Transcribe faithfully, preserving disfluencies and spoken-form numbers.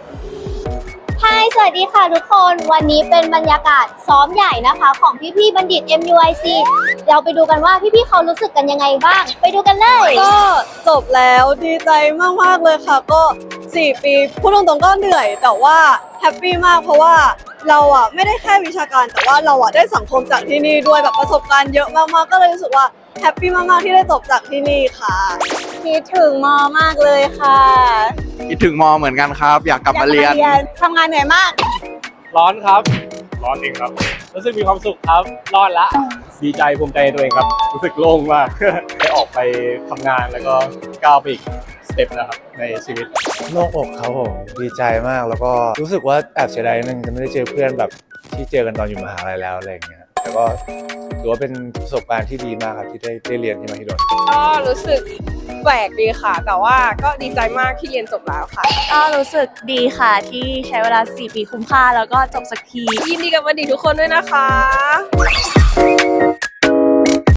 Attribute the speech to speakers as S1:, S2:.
S1: ฮายสวัสดีค่ะทุกคนวันนี้เป็นบรรยากาศซ้อมใหญ่นะคะของพี่ๆบัณฑิต เอ็ม ยู ไอ ซี เราไปดูกันว่าพี่ๆเขารู้สึกกันยังไงบ้างไปดูกันเลย
S2: ก็จบแล้วดีใจมากๆเลยค่ะก็สี่ปีพูดตรงๆก็เหนื่อยแต่ว่าแฮปปี้มากเพราะว่าเราอ่ะไม่ได้แค่วิชาการแต่ว่าเราอ่ะได้สังคมจากที่นี่ด้วยแบบประสบการณ์เยอะมากๆก็เลยรู้สึกว่าแฮปปี้มากๆที่ได้จบจากที่นี่ค่ะคิดถึงมอมากเลยค่ะ
S3: คิดถึงมอเหมือนกันครับ อยากกลับมาเรียน
S2: ทำงานเหนื่อยมาก
S4: ร้อนครับ ร้อนจริงครับ รู้สึกมีความสุขครับ รอดละ ดีใจภูมิใจในตัวเองครับ รู้สึกโล่งมาก ได้ออกไปทำงานแล้วก็ก้าวไปอีกสเต็ปนะครับในชีวิต
S5: โล่งอกครับผมดีใจมากแล้วก็รู้สึกว่าแอบเสียดายนิดนึงจะไม่ได้เจอเพื่อนแบบที่เจอกันตอนอยู่มหาลัยแล้วอะไรอย่างเงี้ยแต่ก็ถือว่าเป็นประสบการณ์ที่ดีมากครับที่ได้ได้เรียนที่มหิดล
S6: ก็รู้สึกแปลกดีค่ะ แต่ว่าก็ดีใจมากที่เรียนจบแล้วค่ะ
S7: ก็รู้สึกดีค่ะที่ใช้เวลาสี่ปีคุ้มค่าแล้วก็จบสักที
S6: ยินดีกับบัณฑิตทุกคนด้วยนะคะ